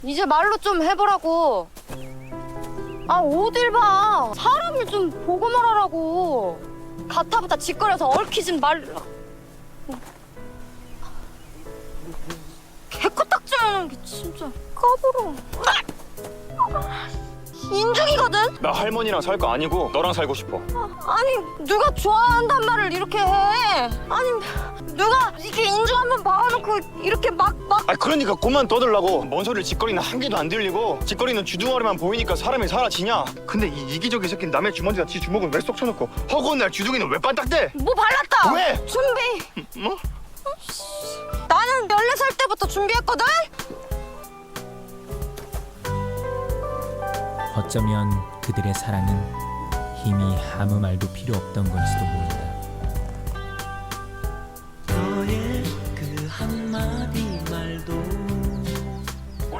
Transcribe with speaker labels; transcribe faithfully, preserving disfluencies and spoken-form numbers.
Speaker 1: 이제 말로 좀 해보라고. 아 어딜 봐. 사람을 좀 보고 말하라고. 가타부타 짓거려서 얽히진 말라. 개코딱지하는 게 진짜 까불어. 인중이거든?
Speaker 2: 나 할머니랑 살 거 아니고 너랑 살고 싶어.
Speaker 1: 아니 누가 좋아한단 말을 이렇게 해. 아니 누가 이렇게 인중 한번 봐놓고 이렇게 막 막.
Speaker 2: 아 그러니까 그만 떠들라고. 뭔 소리를 짓거리는 한 개도 안 들리고 짓거리는 주둥아리만 보이니까 사람이 사라지냐? 근데 이 이기적인 새끼는 남의 주머니에다 지 주먹은 왜 쏙 쳐놓고 허구한 날 주둥이는 왜 반딱대?
Speaker 1: 뭐 발랐다.
Speaker 2: 왜?
Speaker 1: 준비.
Speaker 2: 뭐?
Speaker 1: 나는 열네 살 때부터 준비했거든.
Speaker 3: 어쩌면 그들의 사랑은 이미 아무 말도 필요 없던 건지도 모른다.